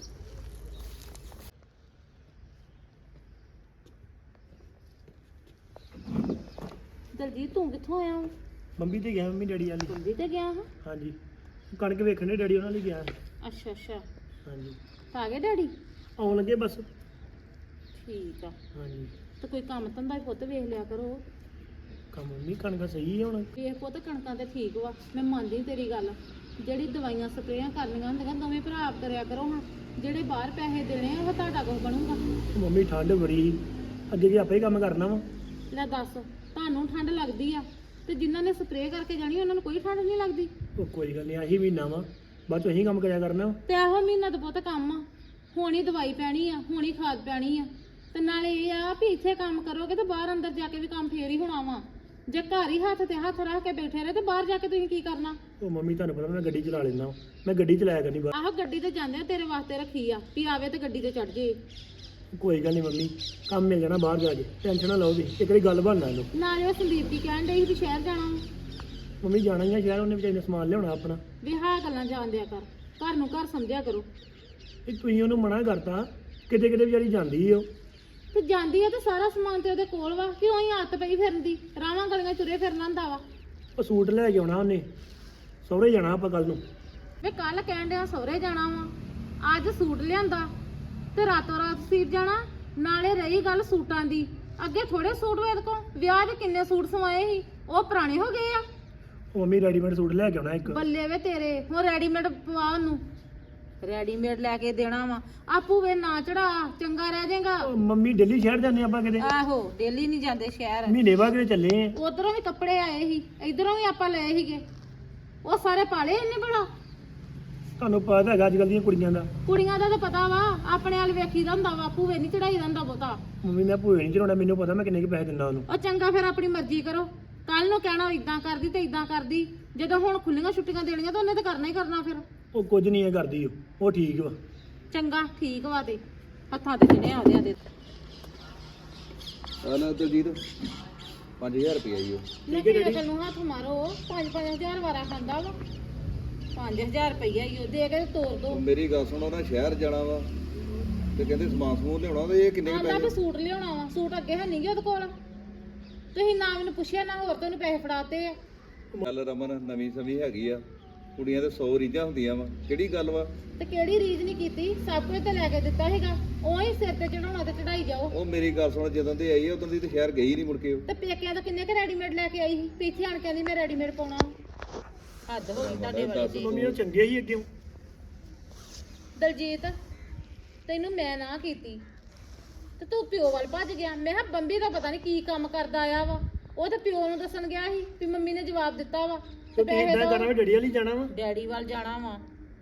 ਦਲਜੀਤ ਤੂੰ ਕਿੱਥੋਂ ਆਇਆ ਵਾ?
ਮੰਮੀ ਤੇ ਗਿਆ, ਮੰਮੀ ਡੈਡੀ ਵਾਲੀ।
ਕੁੰਡੀ ਤੇ ਗਿਆ ਹਾਂ?
ਹਾਂਜੀ, ਕਣਕ ਵੇਖਣੇ ਡੈਡੀ ਉਹਨਾਂ ਲਈ ਗਿਆ।
ਅੱਛਾ ਅੱਛਾ,
ਹਾਂਜੀ,
ਆ ਗਏ ਡੈਡੀ?
ਆਉਣ ਲੱਗੇ ਬਸ।
ਠੀਕ ਆ,
ਹਾਂਜੀ,
ਤੇ ਕੋਈ ਕੰਮ ਧੰਦਾ ਹੀ ਪੁੱਤ ਵੇਖ ਲਿਆ ਕਰੋ।
ਕੰਮ ਮੰਮੀ ਕਣਕ ਸਹੀ ਹੈ ਹੁਣ।
ਵੇਖ ਪੁੱਤ ਕਣਕਾਂ ਤੇ ਠੀਕ ਵਾ, ਮੈਂ ਮੰਨਦੀ ਤੇਰੀ ਗੱਲ, ਜਿਹੜੀ ਦਵਾਈਆਂ ਸਪਰੇਆਂ ਕਰਨੀਆਂ ਹੁੰਦੀਆਂ ਦੋਵੇਂ ਭਰਾ ਆਪ ਕਰਿਆ ਕਰੋ। ਹੁਣ ਜਿਹੜੇ ਬਾਹਰ ਪੈਸੇ ਦੇਣੇ ਆ ਉਹ ਤੁਹਾਡਾ ਕੁਝ ਬਣੂਗਾ?
ਮੰਮੀ ਠੰਡ ਬੜੀ, ਅੱਗੇ ਵੀ ਆਪੇ ਹੀ ਕੰਮ ਕਰਨਾ ਵਾ।
ਲੈ ਦੱਸ, ਤੁਹਾਨੂੰ ਠੰਡ ਲੱਗਦੀ ਆ ਤੇ ਜਿਨ੍ਹਾਂ ਨੇ ਸਪਰੇਅ ਕਰਕੇ ਜਾਣੀ ਉਹਨਾਂ ਨੂੰ ਕੋਈ ਠੰਡ ਨਹੀਂ ਲੱਗਦੀ?
ਉਹ ਕੋਈ ਗੱਲ ਨਹੀਂ, ਆਹੀ ਮਹੀਨਾ ਵਾ, ਬਾਅਦ ਚ ਅਸੀਂ ਕੰਮ ਕਰਿਆ ਕਰਨਾ ਵਾ।
ਤੇ ਇਹੋ ਮਹੀਨਾ ਤਾਂ ਬਹੁਤ ਕੰਮ ਆ, ਹੁਣ ਹੀ ਦਵਾਈ ਪੈਣੀ ਆ, ਹੁਣ ਹੀ ਖਾਦ ਪੈਣੀ ਆ, ਤੇ ਨਾਲੇ ਇਹ ਆ ਵੀ ਇੱਥੇ ਕੰਮ ਕਰੋਗੇ ਤੇ ਬਾਹਰ ਅੰਦਰ ਜਾ ਕੇ ਵੀ ਕੰਮ ਫੇਰ ਹੀ ਹੋਣਾ ਵਾ। ਜੇ ਘਰ ਹੀ ਹੱਥ ਤੇ ਹੱਥ ਰੱਖ ਕੇ ਬੈਠੇ ਰਹੇ ਤੇ ਬਾਹਰ ਜਾ ਕੇ ਤੁਸੀਂ ਕੀ ਕਰਨਾ?
ਉਹ ਮੰਮੀ ਤੁਹਾਨੂੰ ਪਤਾ ਮੈਂ ਗੱਡੀ ਚਲਾ ਲੈਂਦਾ, ਮੈਂ ਗੱਡੀ ਚਲਾਇਆ ਕਰਨੀ ਬਾਹਰ।
ਆਹੋ ਗੱਡੀ ਤੇ ਜਾਂਦੇ ਆ, ਤੇਰੇ ਵਾਸਤੇ ਰੱਖੀ ਆ ਵੀ ਆਵੇ ਤੇ ਗੱਡੀ ਤੇ ਚੜ ਜੇ।
ਕੋਈ ਗੱਲ ਨਹੀਂ ਮੰਮੀ, ਕੰਮ ਮਿਲ ਜਾਣਾ ਬਾਹਰ ਜਾ ਕੇ, ਟੈਨਸ਼ਨ ਨਾ ਲਓ ਜੀ, ਇੱਕ ਵਾਰੀ ਗੱਲ ਬਣਨਾ ਇਹਨੂੰ।
ਨਾਲੇ ਉਹ ਸੰਦੀਪ ਦੀ ਕਹਿਣ ਡਈ ਸੀ ਵੀ ਸ਼ਹਿਰ ਜਾਣਾ ਵਾ।
ਮੰਮੀ ਜਾਣਾ ਹੀ ਆ ਸ਼ਹਿਰ, ਉਹਨੇ ਵਿਚਾਰੀ ਨੇ ਸਮਾਨ ਲਿਆਉਣਾ ਆਪਣਾ।
ਵੀ ਹਾਂ ਗੱਲਾਂ ਜਾਣਦਿਆ ਕਰ, ਘਰ ਨੂੰ ਘਰ ਸਮਝਿਆ ਕਰੋ।
ਇਹ ਤੁਸੀਂ ਉਹਨੂੰ ਮਨਾ ਕਰਤਾ, ਕਿਤੇ ਕਿਤੇ ਵਿਚਾਰੀ ਜਾਂਦੀ ਓ।
ਤੇ ਜਾਂਦੀ ਆ ਤੇ ਸਾਰਾ ਸਮਾਨ ਤੇ ਉਹਦੇ ਕੋਲ ਵਾ, ਕਿਉਂ ਹੀ ਆਦਤ ਪਈ ਫਿਰਨ ਦੀ, ਰਾਵਾਂ ਗਲੀਆਂ ਤੁਰੇ ਫਿਰਨਾ ਹੁੰਦਾ ਵਾ।
ਉਹ ਸੂਟ ਲੈ ਕੇ ਆਉਣਾ ਉਹਨੇ, ਸਹੁਰੇ ਜਾਣਾ ਆਪਾਂ ਕੱਲ ਨੂੰ।
ਵੇ ਕੱਲ ਕਹਿਣ ਡਿਆ ਸਹੁਰੇ ਜਾਣਾ ਵਾ, ਅੱਜ ਸੂਟ ਲਿਆਂਦਾ ਤੇ ਰਾਤੋਂ ਰਾਤ ਸੀਪ ਜਾਣਾ। ਨਾਲੇ ਰਹੀ ਗੱਲ ਸੂਟਾਂ ਦੀ, ਅੱਗੇ ਥੋੜੇ ਸੂਟ ਵੇਦ ਕੋ ਵਿਆਹ ਦੇ ਕਿੰਨੇ ਸੂਟ ਸਵਾਏ ਸੀ, ਉਹ ਪੁਰਾਣੇ ਹੋ ਗਏ ਆ।
ਉਹ ਮੰਮੀ ਰੈਡੀਮੇਡ ਸੂਟ ਲੈ ਕੇ ਆਉਣਾ ਇੱਕ।
ਬੱਲੇ ਵੇ ਤੇਰੇ, ਹੁਣ ਰੈਡੀਮੇਡ ਪਵਾ ਉਹਨੂੰ। ਰੈਡੀਮੇਡ ਲੈ ਕੇ ਦੇਣਾ ਵਾ ਆਪੂ ਵੇ ਨਾ ਚੜਾ ਚੰਗਾ ਰਹਿ ਜਾਏਗਾ।
ਉਹ ਮੰਮੀ ਦਿੱਲੀ ਸ਼ਹਿਰ ਜਾਂਦੇ ਆਪਾਂ ਕਿਤੇ
ਆਹੋ ਡੇਲੀ ਨਹੀਂ ਜਾਂਦੇ ਸ਼ਹਿਰ।
ਮਹੀਨੇ ਬਾਅਦ ਕਿਤੇ ਚੱਲੇ ਆ।
ਉਧਰੋਂ ਵੀ ਕੱਪੜੇ ਆਏ ਸੀ ਇਧਰੋਂ ਵੀ ਆਪਾਂ ਲਏ ਸੀਗੇ ਉਹ ਸਾਰੇ ਪਾਲੇ ਇੰਨੇ ਬੜਾ।
ਤੁਹਾਨੂੰ ਪਤਾ ਹੈਗਾ ਅੱਜ ਕੱਲ੍ਹ ਦੀਆਂ ਕੁੜੀਆਂ ਦਾ।
ਕੁੜੀਆਂ ਦਾ ਤਾਂ ਪਤਾ ਵਾ ਆਪਣੇ ਵਾਲ ਵੇਖੀਦਾ ਹੁੰਦਾ ਵਾ ਆਪੂ ਵੇ ਨਹੀਂ ਚੜਾਈ ਹੁੰਦਾ ਬਹੁਤਾ।
ਮੰਮੀ ਮੈਂ ਭੂਏ ਨਹੀਂ ਚੜਾਉਣਾ ਮੈਨੂੰ ਪਤਾ ਮੈਂ ਕਿੰਨੇ ਕੁ ਪੈਸੇ ਦਿੰਦਾ ਉਹਨੂੰ।
ਉਹ ਚੰਗਾ ਫਿਰ ਆਪਣੀ ਮਰਜ਼ੀ ਕਰੋ ਕੱਲ ਨੂੰ ਕਹਿਣਾ ਇਦਾਂ ਕਰਦੀ ਤੇ ਇਦਾਂ ਕਰਦੀ ਜਦੋਂ ਹੁਣ ਖੁੱਲੀਆਂ ਛੁੱਟੀਆਂ ਦੇਣੀਆਂ ਤਾਂ ਉਹਨੇ ਤਾਂ ਕਰਨਾ ਹੀ ਕਰਨਾ ਫਿਰ।
ਉਹ ਕੁਝ ਨਹੀਂ ਇਹ ਕਰਦੀ ਉਹ ਉਹ ਠੀਕ ਵਾ।
ਚੰਗਾ ਠੀਕ ਵਾ ਤੇ ਹੱਥਾਂ ਤੇ ਚੜਿਆ ਉਹਦੇ ਦੇ
ਆ ਲੈ ਦਲਜੀਤ ਪੰਜ ਹਜ਼ਾਰ ਰੁਪਇਆ ਹੀ ਉਹ
ਠੀਕ ਹੈ ਡੈਡੀ ਨੂੰ ਹੱਥ ਮਾਰੋ ਪੰਜ ਪੰਜ ਹਜ਼ਾਰ ਵਾਰਾ ਖਾਂਦਾ ਵਾ ਪੰਜ ਹਜ਼ਾਰ ਰੁਪਈਆ ਹੀ ਉਹ ਦੇ ਕੇ ਤੇ ਤੋਰ ਦੋ।
ਉਹ ਮੇਰੀ ਗੱਲ ਸੁਣ ਉਹਨਾਂ ਸ਼ਹਿਰ ਜਾਣਾ ਵਾ ਤੇ ਕਹਿੰਦੇ ਸਮਾਨ ਸਮੂਨ ਲਿਆਉਣਾ ਤੇ ਇਹ ਕਿੰਨੇ ਕੁ
ਆਂਦਾ ਵੀ
ਪੈਸੇ?
ਸੂਟ ਲਿਆਉਣਾ ਵਾ ਸੂਟ ਅੱਗੇ ਹੈ ਨਹੀਂ ਗੇ ਉਹਦੇ ਕੋਲ ਤੁਸੀਂ ਨਾ ਮੈਨੂੰ ਪੁੱਛਿਆ ਨਾ ਹੋਰ ਤੈਨੂੰ ਪੈਸੇ ਫੜਾਤੇ ਆ।
ਗੱਲ ਰਮਨ ਨਵੀਂ ਸਮੀ ਹੈਗੀ ਆ ਕੁੜੀਆਂ ਤੇ ਸੌ ਰੀਝਾਂ ਹੁੰਦੀਆਂ ਵਾ ਕਿਹੜੀ ਗੱਲ ਵਾ?
ਤੇ ਕਿਹੜੀ ਰੀਝ ਨਹੀਂ ਕੀਤੀ ਸਭ ਕੁਝ ਤਾਂ ਲੈ ਕੇ ਦਿੱਤਾ ਹੈਗਾ ਉਹੀ ਸਿਰ ਤੇ ਚੜਾਉਣਾ ਤੇ ਚੜਾਈ ਜਾਓ।
ਉਹ ਮੇਰੀ ਗੱਲ ਸੁਣ ਜਦੋਂ ਦੀ ਆਈ ਆ ਉਦੋਂ ਦੀ ਤੇ ਸ਼ਹਿਰ ਗਈ ਨਹੀਂ ਮੁੜ ਕੇ ਉਹ।
ਤੇ ਪੇਕਿਆਂ ਤੋਂ ਕਿੰਨੇ ਕ ਰੈਡੀਮੇਡ ਲੈ ਕੇ ਆਈ ਸੀ ਤੇ ਇੱਥੇ ਆਣ ਕੇ ਕਹਿੰਦੀ ਮੈਂ ਰੈਡੀਮੇਡ ਪਾਉਣਾ। ਹੱਦ ਹੋ ਗਈ ਤੁਹਾਡੇ ਵਾਲੀ ਦੀ।
ਮੰਮੀ ਉਹ ਚੰਗੇ ਹੀ ਅੱਗੇ।
ਦਲਜੀਤ ਤੈਨੂੰ ਮੈਂ ਨਾ ਕੀਤੀ ਤੇ ਤੂੰ ਪਿਓ ਵੱਲ ਭੱਜ ਗਿਆ। ਮੈਂ ਕਿਹਾ ਬੰਬੀ ਦਾ ਪਤਾ ਨਹੀਂ ਕੀ ਕੰਮ ਕਰਦਾ ਆਇਆ ਵਾ ਉਹ ਤੇ ਪਿਓ ਨੂੰ ਦੱਸਣ ਗਿਆ ਸੀ ਵੀ ਮੰਮੀ ਨੇ ਜਵਾਬ ਦਿੱਤਾ ਵਾ
ਤੇ ਤੁਸੀਂ ਇਦਾਂ ਕਰਨਾ ਵੀ ਡੈਡੀ ਵਾਲੀ ਜਾਣਾ ਵਾ।
ਡੈਡੀ ਵੱਲ ਜਾਣਾ ਵਾ।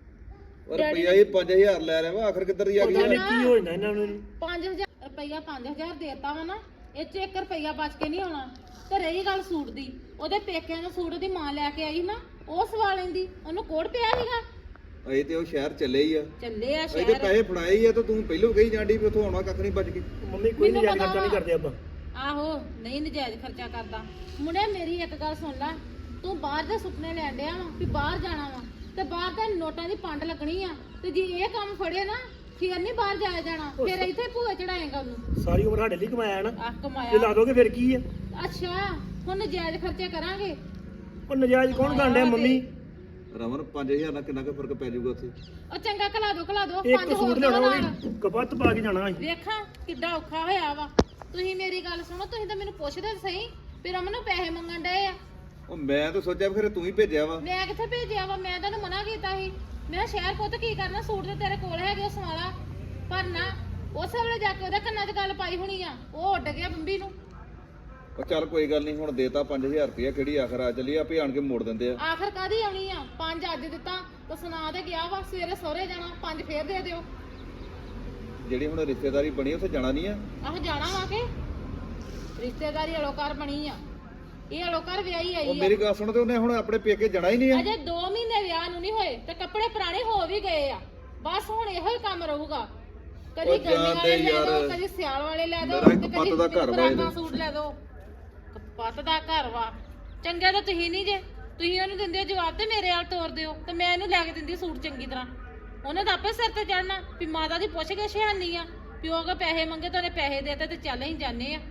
ਔਰ ਰੁਪਈਆ ਇਹ ਪੰਜ ਹਜ਼ਾਰ ਲੈ ਰਿਹਾ ਵਾ ਆਖਰ ਕਿੱਧਰ ਦੀ ਆ
ਪਤਾ
ਗਈ?
ਨਹੀਂ ਕੀ ਹੋ ਜਾਂਦਾ ਇਹਨਾਂ ਨੂੰ।
ਪੰਜ ਹਜ਼ਾਰ ਰੁਪਈਆ ਪੰਜ ਹਜ਼ਾਰ ਦੇਤਾ ਵਾ ਨਾ ਇਹ ਚ ਇੱਕ ਰੁਪਈਆ ਬਚ ਕੇ ਨਹੀਂ ਆਉਣਾ। ਤੇ ਰਹੀ ਗੱਲ ਸੂਟ ਦੀ ਉਹਦੇ ਪੇਕਿਆਂ ਦਾ ਸੂਟ ਉਹਦੀ ਮਾਂ ਲੈ ਕੇ ਆਈ ਨਾ ਉਹ ਸਵਾ ਲੈਂਦੀ ਉਹਨੂੰ ਕੋੜ ਪਿਆ ਸੀਗਾ।
ਅਜੇ ਤੇ ਉਹ ਸ਼ਹਿਰ ਚੱਲੇ ਹੀ ਆ
ਚੱਲੇ ਆ
ਅਜੇ ਤੇ
ਸ਼ਹਿਰ।
ਪੈਸੇ ਫੜਾਏ ਹੀ ਆ ਤੇ ਤੂੰ ਪਹਿਲੋਂ ਕਹੀ ਜਾਂਦੀ ਵੀ ਉੱਥੋਂ ਆਉਣਾ ਕੱਖ ਨਹੀਂ ਬਚ ਕੇ।
ਮੰਮੀ ਕੋਈ ਨਹੀਂ
ਮੈਨੂੰ
ਜਾਣ
ਪਤਾ
ਖਰਚਾ ਨਹੀਂ
ਵਾ।
ਕਰਦੇ ਆਪਾਂ।
ਆਹੋ ਨਹੀਂ ਨਜਾਇਜ਼ ਖਰਚਾ ਕਰਦਾ। ਮੁੰਡੇ ਮੇਰੀ ਇੱਕ ਗੱਲ ਸੁਣ ਲੈ ਤੂੰ ਬਾਹਰ ਦੇ ਸੁਪਨੇ ਲੈਣ ਡਿਆ ਵਾ ਵੀ ਬਾਹਰ ਜਾਣਾ ਵਾ ਤੇ ਬਾਹਰ ਤਾਂ ਨੋਟਾਂ ਦੀ ਪੰਡ ਲੱਗਣੀ ਆ ਤੇ ਜੇ ਇਹ ਕੰਮ ਫੜੇ ਨਾ ਫਿਰ ਨਹੀਂ ਬਾਹਰ ਜਾਇਆ ਜਾਣਾ ਫਿਰ ਇੱਥੇ ਭੂਏ ਚੜਾਏਗਾ ਉਹਨੂੰ।
ਸਾਰੀ ਉਮਰ ਸਾਡੇ ਲਈ ਕਮਾਇਆ ਨਾ
ਆਹ
ਜੇ
ਕਮਾਇਆ।
ਲਾ ਦੋਗੇ ਫਿਰ ਕੀ ਆ?
ਅੱਛਾ ਹੁਣ ਨਜਾਇਜ਼ ਖਰਚੇ ਕਰਾਂਗੇ।
ਉਹ ਨਜਾਇਜ਼ ਕੌਣ ਕਰਨ ਡਿਆ ਮੰਮੀ?
ਰਮਨ ਪੰਜ ਹਜ਼ਾਰ ਨਾਲ ਕਿੰਨਾ ਕੁ ਫਰਕ ਪੈ ਜਾਊਗਾ ਉੱਥੇ?
ਉਹ ਚੰਗਾ ਘਲਾ ਦੋ ਘਲਾ ਦੋ
ਇੱਕ
ਪੰਜ ਹੋਰ
ਸੂਟ
ਦਿਓ
ਲਿਆਉਣਾ
ਨਾਲ।
ਉਹ ਵੀ ਕਪੱਤ ਪਾ ਕੇ ਜਾਣਾ ਅਸੀਂ।
ਵੇਖਾਂ ਕਿੱਡਾ ਔਖਾ ਹੋਇਆ ਵਾ। ਤੁਸੀਂ ਮੇਰੀ ਗੱਲ ਸੁਣੋ ਤੁਸੀਂ ਤਾਂ ਮੈਨੂੰ ਪੁੱਛਦੇ ਤਾਂ ਸਹੀ ਵੀ ਰਮਨ ਨੂੰ ਪੈਸੇ ਮੰਗਣ ਡਏ ਆ।
ਉਹ ਮੈਂ ਤਾਂ ਸੋਚਿਆ ਵੀ ਫਿਰ ਤੂੰ ਹੀ ਭੇਜਿਆ ਵਾ।
ਮੈਂ ਕਿੱਥੇ ਭੇਜਿਆ ਵਾ ਮੈਂ ਤੁਹਾਨੂੰ ਮਨਾ ਕੀਤਾ ਸੀ ਮੈਂ ਕਿਹਾ ਸ਼ਹਿਰ ਪੁੱਤ ਕੀ ਕਰਨਾ ਸੂਟ ਤੇ ਤੇਰੇ ਕੋਲ ਹੈਗੇ ਉਹ ਸਵਾਲਾ ਪਰ ਨਾ ਉਸੇ ਵੇਲੇ ਜਾ ਕੇ ਉਹਦੇ ਕੰਨਾਂ 'ਚ ਗੱਲ ਪਾਈ ਹੋਣੀ ਆ ਉਹ ਉੱਡ ਗਿਆ ਬੰਬੀ ਨੂੰ।
ਉਹ ਚੱਲ ਕੋਈ ਗੱਲ ਨਹੀਂ ਹੁਣ ਦੇਤਾ ਪੰਜ ਹਜ਼ਾਰ ਰੁਪਇਆ ਕਿਹੜੀ ਆਖਰ ਆ ਚੱਲੀ ਆਪੇ ਆਣ ਕੇ ਮੋੜ ਦਿੰਦੇ ਆ।
ਆਖਰ ਕਾਦੀ ਆਉਣੀ ਆ ਪੰਜ ਅੱਜ ਦਿੱਤਾ ਤਾਂ ਸੁਣਾ ਤੇ ਗਿਆ ਵਾ ਸਵੇਰੇ ਸਹੁਰੇ ਜਾਣਾ ਪੰਜ ਫੇਰ ਦੇ ਦਿਓ।
ਜਿਹੜੀ ਹੁਣ ਰਿਸ਼ਤੇਦਾਰੀ ਬਣੀ ਉੱਥੇ ਜਾਣਾ ਨਹੀਂ ਆ।
ਆਹ ਜਾਣਾ ਵਾ ਕੇ ਰਿਸ਼ਤੇਦਾਰੀ ਅਲੋਕਾਰ ਬਣੀ ਆ ਇਹ ਅਲੋਕਾਰ ਵਿਆਹੀ
ਉਹ
ਆਈ ਆ।
ਮੇਰੀ ਗੱਲ ਸੁਣ ਤੇ ਉਹਨੇ ਹੁਣ ਆਪਣੇ ਪੇਕੇ ਜਾਣਾ ਹੀ ਨਹੀਂ ਆ।
ਅਜੇ ਦੋ ਮਹੀਨੇ ਵਿਆਹ ਨੂੰ ਨਹੀਂ ਹੋਏ ਤੇ ਕੱਪੜੇ ਪੁਰਾਣੇ ਹੋ ਵੀ ਗਏ ਆ ਬਸ ਹੁਣ ਇਹੋ ਹੀ ਕੰਮ ਰਹੂਗਾ ਕਦੀ
ਉਹ
ਗਰਮੀ ਵਾਲੇ
ਜਾਂਦੇ
ਲੈ ਦੋ
ਯਾਰ।
ਕਦੀ ਸਿਆਲ ਵਾਲੇ ਲੈ ਦੋ
ਮੇਰਾ ਇੱਕ
ਤੇ
ਪੱਤ
ਕਦੀ
ਦਾ ਘਰ ਵਾ ਇਹਦੇ।
ਫਰਾਕਾਂ ਸੂਟ ਲੈ ਦੋ ਪੱਤ ਦਾ ਘਰ ਵਾ ਚੰਗਾ ਤਾਂ ਤੁਸੀਂ ਨਹੀਂ ਜੇ ਤੁਸੀਂ ਉਹਨੂੰ ਦਿੰਦੇ ਹੋ ਜਵਾਬ ਤੇ ਮੇਰੇ ਨਾਲ ਤੋਰ ਦਿਓ ਤੇ ਮੈਂ ਇਹਨੂੰ ਲੈ ਕੇ ਦਿੰਦੀ ਸੂਟ ਚੰਗੀ ਤਰ੍ਹਾਂ ਉਹਨੇ ਤਾਂ ਆਪੇ ਸਿਰ ਤੇ ਚੜਨਾ ਵੀ ਮਾਤਾ ਦੀ ਪੁੱਛ ਕੇ ਸ਼ਹਾਨੀ ਆ ਪਿਓ ਕੋ ਪੈਸੇ ਮੰਗੇ ਤਾਂ ਉਹਨੇ ਪੈਸੇ ਦੇਤੇ ਤੇ ਚੱਲ ਹੀ ਜਾਂਦੇ ਆ।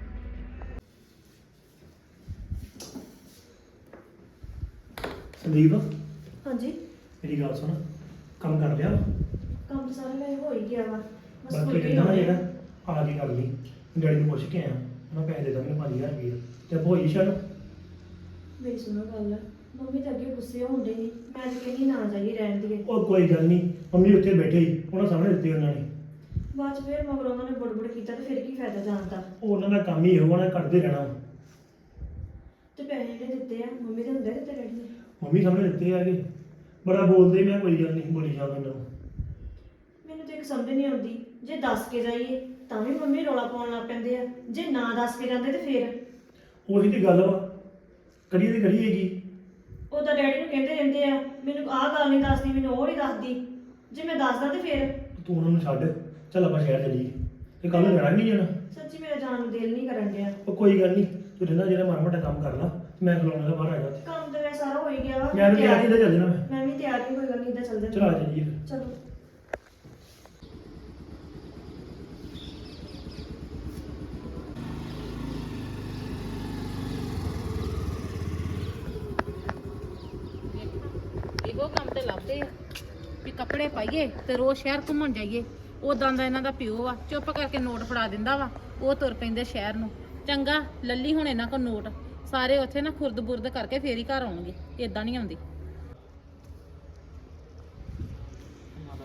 ਸੰਦੀਪ
ਹਾਂਜੀ
ਮੇਰੀ ਗੱਲ ਸੁਣ ਕੰਮ ਕਰ ਲਿਆ
ਕੰਮ ਤਾਂ ਸਾਰਾ ਮੈਂ ਹੋ ਹੀ ਗਿਆ ਵਾ ਬਸ
ਬਾਕੀ
ਫੁਲਕੇ
ਕਹਿੰਦਾ ਨਾ
ਲਾਉਣੇ ਆ।
ਜਿਹੜਾ ਆ ਕੇ ਕਰ ਲਈ ਡੈਡੀ ਨੂੰ ਪੁੱਛ ਕੇ ਆਇਆ ਉਹਨਾਂ ਪੈਸੇ ਦੇ ਦਾਂ ਮੈਨੂੰ ਪੰਜ ਹਜ਼ਾਰ ਰੁਪਏ ਤੇ ਭੋਈ ਸ਼ਰ
ਮੇਰੀ ਸੁਣੋ ਗੱਲ ਮੰਮੀ ਤਾਂ ਅੱਗੇ ਗੁੱਸੇ ਹੁੰਦੇ ਸੀ ਮੈਂ ਤਾਂ ਕਹਿੰਦੀ ਨਾ ਜਾਈਏ ਰਹਿਣ ਦੀਏ
ਉਹ ਕੋਈ ਗੱਲ ਨਹੀਂ ਮੰਮੀ ਉੱਥੇ ਬੈਠੇ ਹੀ ਉਹਨਾਂ ਸਾਹਮਣੇ ਦਿੱਤੇ ਉਹਨਾਂ ਨੇ
ਬਾਅਦ ਚ ਫਿਰ ਮਗਰ ਉਹਨਾਂ ਨੇ ਬੜਬੜ ਕੀਤਾ ਤੇ ਫਿਰ ਕੀ ਫਾਇਦਾ ਜਾਣ ਦਾ।
ਉਹ ਉਹਨਾਂ ਦਾ ਕੰਮ ਹੀ ਇਹੋ ਉਹਨਾਂ ਨੇ ਕਰਦੇ ਰਹਿਣਾ ਵਾ।
ਤੇ ਪੈਸੇ ਜਿਹੜੇ ਦਿੱਤੇ ਆ ਮੰਮੀ ਦੇ ਹੁੰਦੇ ਦਿੱਤੇ ਡੈਡੀ ਨੇ।
ਮੰਮੀ ਸਾਹਮਣੇ ਦਿੱਤੇ ਆ ਕਿ ਬੜਾ ਬੋਲਦੇ ਮੈਂ ਕੋਈ ਗੱਲ ਨਹੀਂ ਬੋਲੀ ਜਾਂਦਾ ਉਹਨਾਂ ਨੂੰ।
ਮੈਨੂੰ ਤਾਂ ਇੱਕ ਸਮਝ ਨਹੀਂ ਆਉਂਦੀ ਜੇ ਦੱਸ ਕੇ ਜਾਈਏ ਤਾਂ ਵੀ ਮੰਮੀ ਰੌਲਾ ਪਾਉਣ ਲੱਗ ਪੈਂਦੇ ਆ ਜੇ ਨਾ ਦੱਸ ਕੇ ਜਾਂਦੇ ਤੇ ਫਿਰ
ਉਹੀ ਤੇ ਗੱਲ ਵਾ ਕਰੀਏ ਤੇ ਕਰੀਏਗੀ।
ਉਹ ਤਾਂ ਡੈਡੀ ਨੂੰ ਕਹਿੰਦੇ ਰਹਿੰਦੇ ਆ ਮੈਨੂੰ ਆਹ ਗੱਲ ਨਹੀਂ ਦੱਸਦੀ ਮੈਨੂੰ ਉਹ ਨਹੀਂ ਦੱਸਦੀ ਜੇ ਮੈਂ ਦੱਸਦਾ ਤੇ ਫਿਰ
ਤੂੰ ਉਹਨਾਂ ਨੂੰ ਛੱਡ ਚੱਲ ਆਪਾਂ ਸ਼ਹਿਰ ਚੱਲੀਏ ਤੇ ਕੱਲ ਨੂੰ ਜਾਣਾ ਨਹੀਂ ਜਾਣਾ।
ਸੱਚੀ ਮੇਰਾ ਜਾਣ ਨੂੰ ਦਿਲ ਨਹੀਂ ਕਰਨ ਡਿਆ।
ਉਹ ਕੋਈ ਗੱਲ ਨਹੀਂ ਤੂੰ ਰਹਿਣਾ ਜਿਹੜਾ ਮਾੜਾ ਮੋਟਾ ਕੰਮ ਕਰ ਲਾ ਮੈਂ ਖਲੋਣਾ ਦਾ ਬਾਹਰ ਆ ਜਾ।
ਕੰਮ ਤਾਂ ਵੈਸੇ ਸਾਰਾ ਹੋ ਹੀ ਗਿਆ ਵਾ
ਮੈਂ ਵੀ
ਤਿਆਰ-
ਤਿਆਰ ਹੀ ਚੱਲ ਜਾਣਾ ਮੈਂ।
ਮੈਂ ਵੀ ਤਿਆਰ ਹੀ ਕੋਈ ਗੱਲ ਨਹੀਂ ਇੱਦਾਂ ਚੱਲਦੇ
ਚਲ ਆ ਚੱਲੀਏ ਫਿਰ।
ਚਲੋ
ਇਹੋ ਕੰਮ ਤੇ ਲੱਭਦੇ ਆ ਵੀ ਕੱਪੜੇ ਪਾਈਏ ਤੇ ਰੋਜ਼ ਸ਼ਹਿਰ ਘੁੰਮਣ ਜਾਈਏ ਉਦਾਂ ਦਾ ਇਹਨਾਂ ਦਾ ਪਿਓ ਆ ਚੁੱਪ ਕਰਕੇ ਨੋਟ ਫੜਾ ਦਿੰਦਾ ਵਾ ਉਹ ਤੁਰ ਪੈਂਦੇ ਸ਼ਹਿਰ ਨੂੰ। ਚੰਗਾ ਲੱਲੀ ਹੁਣ ਇਹਨਾਂ ਕੋਲ ਨੋਟ ਸਾਰੇ ਉੱਥੇ ਨਾ ਖੁਰਦ ਬੁਰਦ ਕਰਕੇ ਫੇਰ ਹੀ ਘਰ ਆਉਣਗੇ ਇਦਾਂ ਨਹੀਂ ਆਉਂਦੀ।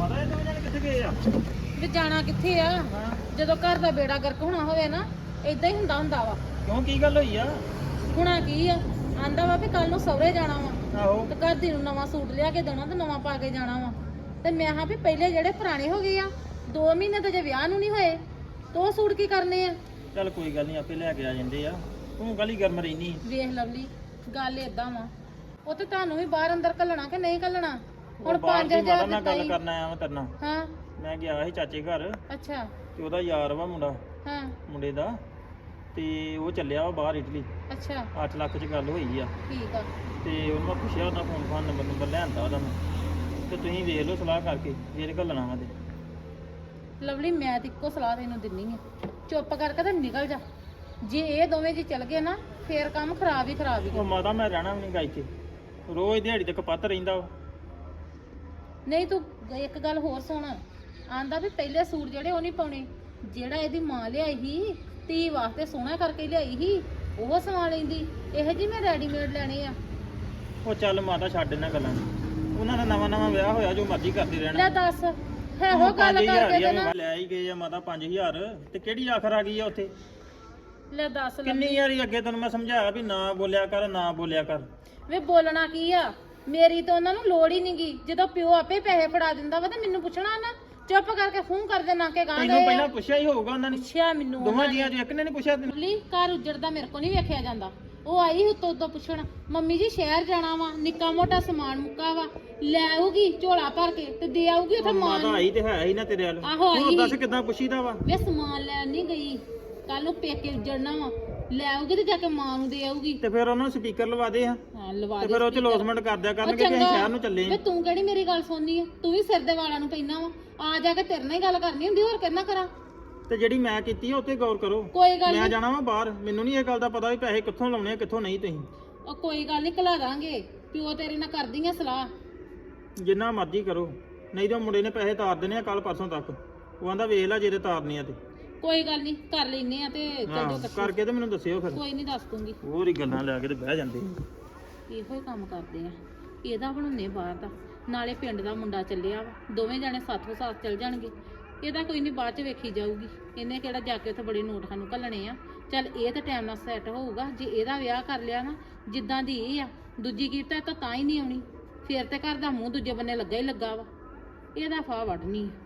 ਮਾਤਾ ਇਹ ਦੋਵੇਂ ਜਾਣੇ ਕਿੱਥੇ ਗਏ ਆ?
ਵੀ ਜਾਣਾ ਕਿੱਥੇ ਆ? ਜਦੋਂ ਘਰ ਦਾ ਬੇੜਾ ਗਰਕ ਹੋਣਾ ਹੋਵੇ ਨਾ ਇਦਾਂ ਹੀ ਹੁੰਦਾ ਹੁੰਦਾ ਵਾ।
ਕਿਉਂ ਕੀ ਗੱਲ ਹੋਈ ਆ?
ਹੁਣਾ ਕੀ ਆ, ਆਂਦਾ ਵਾ ਵੀ ਕੱਲ ਨੂੰ ਸਹੁਰੇ ਜਾਣਾ ਵਾ
ਆਹੋ
ਤੇ ਘਰ ਦੀ ਨੂੰ ਨਵਾਂ ਸੂਟ ਲਿਆ ਕੇ ਦੇਣਾ ਤੇ ਨਵਾਂ ਪਾ ਕੇ ਜਾਣਾ ਵਾ। ਤੇ ਮੈਂ ਹਾਂ ਵੀ ਪਹਿਲੇ ਜਿਹੜੇ ਪੁਰਾਣੇ ਹੋ ਗਏ ਆ, ਦੋ ਮਹੀਨੇ ਤਾਂ ਜੇ ਵਿਆਹ ਨੂੰ ਨਹੀਂ ਹੋਏ ਤੇ ਉਹ ਸੂਟ ਕੀ ਕਰਨੇ ਆ?
ਚੱਲ ਕੋਈ ਗੱਲ ਨਹੀਂ, ਆਪੇ ਲੈ ਕੇ ਆ ਜਾਂਦੇ ਆ। ਤੂੰ ਗਲੀ ਗਰਮ ਰਹਿਨੀ।
ਵੇਖ ਲਵਲੀ, ਗੱਲ ਏਦਾਂ ਵਾ, ਉਹ ਤੇ ਤੁਹਾਨੂੰ ਵੀ ਬਾਹਰ ਅੰਦਰ ਘੱਲਣਾ ਕਿ ਨਹੀਂ ਘੱਲਣਾ? ਹੁਣ ਪੰਜ ਹਜ਼ਾਰ
ਨਾਲ
ਦਿੱਤਾ
ਗੱਲ
ਈ।
ਕਰਨ ਆਇਆ ਮੈਂ ਤੇਰੇ ਨਾਲ।
ਹਾਂ
ਮੈਂ ਗਿਆ ਸੀ ਚਾਚੇ ਘਰ
ਅੱਛਾ
ਤੇ ਉਹਦਾ ਯਾਰ ਵਾ ਮੁੰਡਾ,
ਹਾਂ
ਮੁੰਡੇ ਦਾ, ਤੇ ਉਹ ਚੱਲਿਆ ਵਾ ਬਾਹਰ ਇਟਲੀ।
ਅੱਛਾ
ਅੱਠ ਲੱਖ ਚ ਗੱਲ ਹੋਈ ਆ।
ਠੀਕ ਆ।
ਤੇ ਉਹਨੂੰ ਮੈਂ ਪੁੱਛਿਆ, ਉਹਦਾ ਫੋਨ ਫਾਨ ਨੰਬਰ ਨੰਬਰ ਲੈਂਦਾ ਉਹਦਾ ਮੈਂ। ਤੇ ਤੁਸੀਂ ਵੇਖ ਲਓ ਸਲਾਹ ਕਰਕੇ ਜੇ ਇਹ ਘੱਲਣਾ ਵਾ ਤੇ।
ਲਵਲੀ ਮੈਂ ਤੇ ਇੱਕੋ ਸਲਾਹ ਤੈਨੂੰ ਦਿੰਨੀ ਆ, ਚੁੱਪ ਕਰਕੇ ਤੇ ਨਿਕਲ ਜਾ। ਜੇ ਇਹ ਦੋਵੇਂ ਜੀ ਚੱਲ ਗਏ ਨਾ ਫੇਰ ਕੰਮ ਖਰਾਬ ਹੀ ਖਰਾਬ ਹੀ
ਉਹ ਮਾਤਾ ਮੈਂ ਰਹਿਣਾ ਵੀ ਨਹੀਂ ਗਾਈ ਕੇ, ਰੋਜ਼ ਦਿਹਾੜੀ ਤੱਕ ਪੱਤ ਰਹਿੰਦਾ ਵਾ।
ਨਹੀਂ ਤੂੰ ਇੱਕ ਗੱਲ ਹੋਰ ਸੁਣ, ਆਂਦਾ ਵੀ ਪਹਿਲੇ ਸੂਟ ਜਿਹੜੇ ਉਹ ਨਹੀਂ ਪਾਉਣੇ, ਜਿਹੜਾ ਇਹਦੀ ਮਾਂ ਲਿਆਈ ਸੀ ਧੀ ਵਾਸਤੇ ਸੋਹਣਾ ਕਰਕੇ ਲਿਆਈ ਸੀ ਉਹ ਸਵਾ ਲੈਂਦੀ। ਇਹੋ ਜੀ ਮੈਂ ਰੈਡੀਮੇਡ ਲੈਣੇ ਆ।
ਉਹ ਚੱਲ ਮਾਤਾ ਛੱਡ ਇਹਨਾਂ ਗੱਲਾਂ ਨੂੰ। ਉਹਨਾਂ ਦਾ ਨਵਾਂ ਨਵਾਂ ਵਿਆਹ ਹੋਇਆ, ਜੋ ਮਰਜ਼ੀ ਕਰਦੇ ਰਹਿਣਾ।
ਲੈ ਦੱਸ ਹੈ ਉਹ ਗੱਲ ਕਰਕੇ ਤੇ ਨਾ
ਲੈ ਹੀ ਗਏ ਆ ਮਾਤਾ ਪੰਜ ਹਜ਼ਾਰ, ਤੇ ਕਿਹੜੀ ਆਖਰ ਆ ਗਈ ਆ ਉੱਥੇ?
ਲੈ ਦੱਸ
ਕਿੰਨੀ ਵਾਰੀ ਅੱਗੇ ਤੈਨੂੰ ਮੈਂ ਸਮਝਾਇਆ ਵੀ ਨਾ ਬੋਲਿਆ ਕਰ, ਨਾ ਬੋਲਿਆ ਕਰ।
ਵੇ ਬੋਲਣਾ ਕੀ ਆ, ਮੇਰੀ ਤਾਂ ਉਹਨਾਂ ਨੂੰ ਲੋੜ ਹੀ ਨੀ ਗੀ। ਜਦੋਂ ਪਿਓ ਆਪੇ ਪੈਸੇ ਫੜਾ ਦਿੰਦਾ ਵਾ ਤੇ ਮੈਨੂੰ ਪੁੱਛਣਾ ਨਾ, ਚੁੱਪ ਕਰਕੇ ਫੋਨ ਕਰ ਦੇ ਨਾ ਕੇ ਗਾਂ
ਤੈਨੂੰ
ਗਏ
ਪਹਿਲਾਂ
ਆ।
ਪੁੱਛਿਆ ਹੀ ਹੋਊਗਾ ਉਹਨਾਂ ਨੇ,
ਪੁੱਛਿਆ ਮੈਨੂੰ
ਦੋਵਾਂ ਜੀਆਂ ਚੋਂ ਇੱਕ ਨੇ ਨਹੀਂ ਪੁੱਛਿਆ ਤੈਨੂੰ?
ਲਈ ਘਰ ਉੱਜੜਦਾ ਮੇਰੇ ਕੋ ਨਹੀਂ ਵੇਖਿਆ ਜਾਂਦਾ। ਉਹ ਆਈ ਉੱਤੋਂ ਉੱਤੋਂ ਪੁੱਛਣ, ਮੰਮੀ ਜੀ ਸ਼ਹਿਰ ਜਾਣਾ ਵਾ, ਨਿੱਕਾ ਮੋਟਾ ਸਮਾਨ ਮੁੱਕਾ ਵਾ, ਲੈ ਆਊਗੀ ਝੋਲਾ ਭਰ ਕੇ ਤੇ ਦੇ ਆਊਗੀ ਉੱਥੇ ਮਾਂ
ਮਾਤਾ
ਨੂੰ।
ਆਈ ਤੇ ਹੈ ਹੀ ਨਾ ਤੇਰੇ ਵੱਲ।
ਆਹੋ ਆਈ
ਹੁਣ ਦੱਸ
ਸੀ।
ਕਿੱਦਾਂ ਪੁੱਛੀਦਾ ਵਾ?
ਵੇ ਸਮਾਨ ਲੈਣ ਨਹੀਂ ਗਈ, ਕੱਲ ਨੂੰ ਪੇਕੇ ਉੱਜੜਨਾ ਵਾ, ਲੈ ਆਊਗੀ ਤੇ ਜਾ ਕੇ ਮਾਂ ਨੂੰ ਦੇ ਆਊਗੀ।
ਤੇ ਫਿਰ ਉਹਨਾਂ ਨੂੰ ਸਪੀਕਰ ਲਵਾ ਦੇ ਆ,
ਹਾਂ ਲਵਾ
ਤੇ
ਦੇ
ਫਿਰ ਉਹ ਚ
speaker।
ਲੋਸਮੈਂਟ ਕਰ ਦਿਆ
ਉਹ
ਕਰਨਗੇ ਕਿ ਅਸੀਂ
ਚੰਗਾ।
ਸ਼ਹਿਰ ਨੂੰ ਚੱਲੇ
ਵੇ
ਆ।
ਤੂੰ ਕਿਹੜੀ ਮੇਰੀ ਗੱਲ ਸੁਣਨੀ ਆ? ਤੂੰ ਵੀ ਸਿਰ ਦੇ ਵਾਲਾਂ ਨੂੰ ਪੈਣਾ ਵਾ, ਆ ਜਾ ਕੇ ਤੇਰੇ ਨਾਲ ਹੀ ਗੱਲ ਕਰਨੀ ਹੁੰਦੀ, ਹੋਰ ਕਿੰਨਾ ਕਰਾਂ?
ਤੇ ਜਿਹੜੀ ਮੈਂ ਕੀਤੀ ਆ ਉੱਤੇ ਗੌਰ ਕਰੋ।
ਕੋਈ ਗੱਲ
ਮੈਂ
ਨਹੀਂ,
ਜਾਣਾ ਵਾ ਬਾਹਰ, ਮੈਨੂੰ ਨਹੀਂ ਇਹ ਗੱਲ ਦਾ ਪਤਾ ਵੀ ਪੈਸੇ ਕਿੱਥੋਂ ਲਾਉਣੇ ਆ ਕਿੱਥੋਂ ਨਹੀਂ। ਤੁਸੀਂ
ਉਹ ਕੋਈ ਗੱਲ ਨਹੀਂ ਘਲਾ ਦਾਂਗੇ, ਪਿਓ ਤੇਰੇ ਨਾਲ ਕਰਦੀਆਂ ਸਲਾਹ।
ਜਿੰਨਾ ਮਰਜ਼ੀ ਕਰੋ, ਨਹੀਂ ਤਾਂ ਮੁੰਡੇ ਨੇ ਪੈਸੇ ਤਾਰ ਦੇਣੇ ਆ ਕੱਲ ਪਰਸੋਂ ਤੱਕ। ਉਹ ਆਂਦਾ ਵੇਖ ਲੈ ਜੇ ਤੇ ਤਾਰਨੀ ਆ ਤੇ।
ਕੋਈ ਗੱਲ ਨਹੀਂ ਕਰ ਲੈਨੇ ਆ ਤੇ ਚੱਲ
ਹਾਂ,
ਜੋ ਕੱਟੋ।
ਕਰਕੇ ਤੇ ਮੈਨੂੰ ਦੱਸਿਓ ਫਿਰ।
ਕੋਈ ਨਹੀਂ ਦੱਸ ਦੂੰਗੀ।
ਹੋਰ ਹੀ ਗੱਲਾਂ ਲੈ ਕੇ ਤੇ ਬਹਿ ਜਾਂਦੇ।
ਇਹੋ ਹੀ ਕੰਮ ਕਰਦੇ ਆ, ਇਹਦਾ ਬਣਾਉਣੇ ਬਾਹਰ ਦਾ, ਨਾਲੇ ਪਿੰਡ ਦਾ ਮੁੰਡਾ ਚੱਲਿਆ ਵਾ, ਦੋਵੇਂ ਜਾਣੇ ਸਾਥੋਂ ਸਾਥ ਚੱਲ ਜਾਣਗੇ। ਇਹਦਾ ਕੋਈ ਨਹੀਂ ਬਾਅਦ ਚ ਵੇਖੀ ਜਾਊਗੀ, ਇਹਨੇ ਕਿਹੜਾ ਜਾ ਕੇ ਉੱਥੇ ਬੜੇ ਨੋਟ ਸਾਨੂੰ ਘੱਲਣੇ ਆ। ਚੱਲ ਇਹ ਤਾਂ ਟਾਈਮ ਨਾਲ ਸੈੱਟ ਹੋਊਗਾ। ਜੇ ਇਹਦਾ ਵਿਆਹ ਕਰ ਲਿਆ ਨਾ ਜਿੱਦਾਂ ਦੀ ਇਹ ਆ, ਦੂਜੀ ਕੀਤਾ ਤਾਂ ਤਾਂ ਹੀ ਨਹੀਂ ਆਉਣੀ, ਫੇਰ ਤੇ ਘਰ ਦਾ ਮੂੰਹ ਦੂਜੇ ਬੰਨੇ ਲੱਗਾ ਹੀ ਲੱਗਾ ਵਾ। ਇਹਦਾ ਫਾਹ ਵੱਢਣੀ ਆ।